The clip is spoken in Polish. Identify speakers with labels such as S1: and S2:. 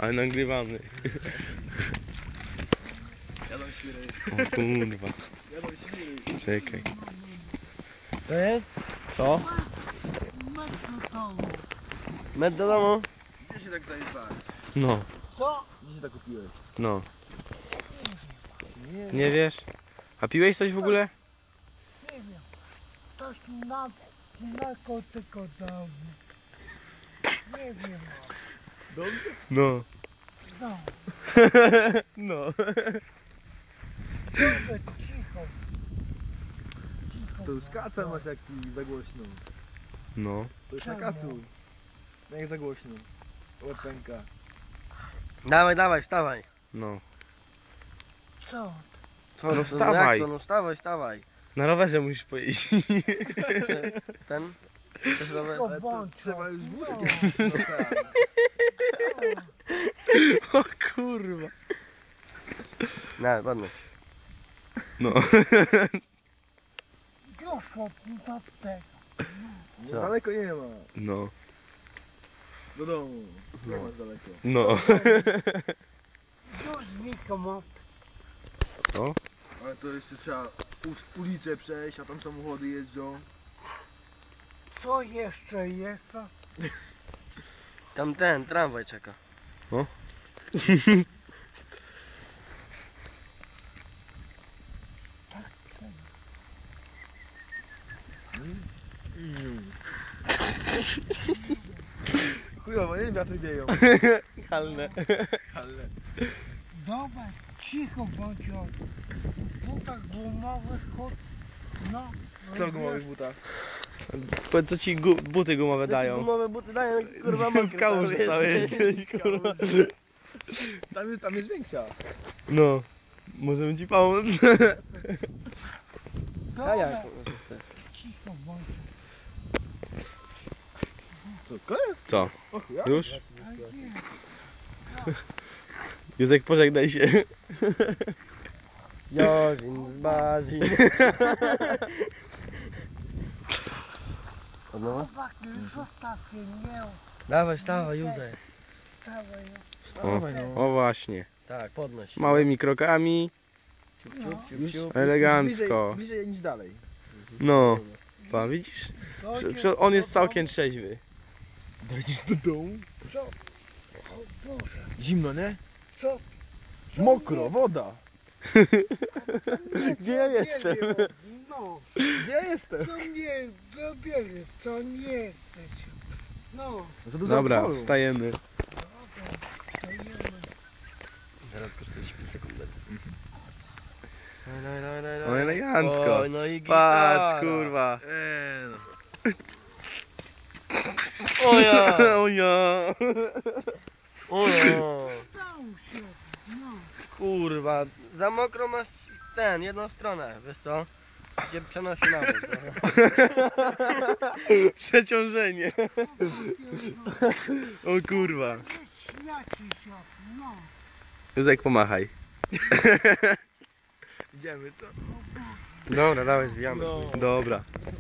S1: Ale nagrywamy.
S2: Jadą świry.
S1: O kurwa.
S2: Jadą świry.
S1: Czekaj.
S3: To jest?
S1: Co?
S3: Med do domu?
S2: Gdzie się tak zajebałeś?
S1: No,
S3: Co?
S2: Gdzie się tak kupiłeś?
S1: no. Nie wiesz? A piłeś coś w ogóle?
S4: Nie wiem. Ktoś na kotyko dał. Nie wiem.
S2: Dobrze?
S1: No.
S4: No.
S1: No.
S4: Dobrze, cicho. Cicho.
S2: To już kaca masz jak ci za głośno.
S1: No.
S2: To już na kacu. Jak za głośno. Łepenka.
S3: Dawaj, dawaj, wstawaj.
S1: No.
S4: Co?
S3: Co,
S1: No
S3: to
S1: wstawaj.
S3: jak to? No wstawaj, wstawaj.
S1: Na rowerze musisz pojeździć.
S3: Ten? Chcesz rower?
S4: Cicho
S2: Ale to
S4: bądź.
S2: trzeba już
S4: No.
S2: wózkiem. No tak.
S1: O kurwa.
S3: Nie, ładnie.
S1: No.
S4: Już do tego.
S2: No,
S3: Co?
S2: daleko nie ma.
S1: No.
S2: Do domu. Nie masz daleko.
S1: No.
S4: Już nikomu.
S1: Co?
S2: Ale to jeszcze trzeba ulicę przejść, a tam samochody jeżdżą.
S4: Co jeszcze jest?
S3: Tam ten, tramwaj czeka.
S2: Chujowo, nie wiatry wieją.
S1: Halne.
S2: Ale...
S4: Dobra, cicho bądź. W butach gumowych kot. No.
S2: Co w gumowych butach?
S1: Co ci buty gumowe dają?
S3: Gumowe buty dają, kurwa, mokre
S1: W kałuży
S3: cały
S1: całej
S3: jesteś.
S1: jesteś, kurwa.
S2: Tam jest większa.
S1: No. Możemy ci pomóc.
S3: A jak?
S4: Dobra, cicho bądź.
S2: Co, koniec?
S1: Co?
S2: O chuja?
S1: Już?
S4: A nie.
S1: Józek, pożegnaj się.
S3: Jorzin z Bazin. Od nowa?
S4: Chłopaki, zostawcie mnie.
S3: Dawaj, wstawaj, Józef.
S4: Dawaj.
S1: O właśnie.
S3: Tak, podnoś.
S1: Małymi krokami.
S3: Ciup, ciup, ciup,
S2: Już-
S3: ciup.
S1: Elegancko.
S2: Bliżej niż dalej.
S1: No. Pa, widzisz? On jest całkiem trzeźwy.
S2: Dojdziesz do domu?
S4: Co? O Boże,
S2: Zimno, nie?
S4: co?
S2: Mokro, woda.
S1: Gdzie ja jestem?
S4: No,
S2: Gdzie ja jestem?
S4: co nie, zabierze, co nie jesteś. No,
S2: Za dużo
S1: Dobra,
S2: alkoholu.
S1: wstajemy.
S4: stajemy.
S3: Teraz tylko 45 sekund. Dawaj, dawaj, dawaj,
S1: No
S3: dawaj.
S1: elegancko.
S3: Oj, no i gitara.
S1: Patrz, kurwa.
S2: No.
S3: O ja!
S1: O ja.
S3: O ja!
S4: Stał się, no.
S3: Kurwa, za mokro masz ten, jedną stronę, wiesz co? Gdzie przenosi na bok.
S1: Przeciążenie. O kurwa.
S4: Śmiaci się, no.
S1: Józek, pomachaj.
S2: Idziemy, co?
S3: Dobra, dawaj, zbijamy.
S2: No.
S1: Dobra.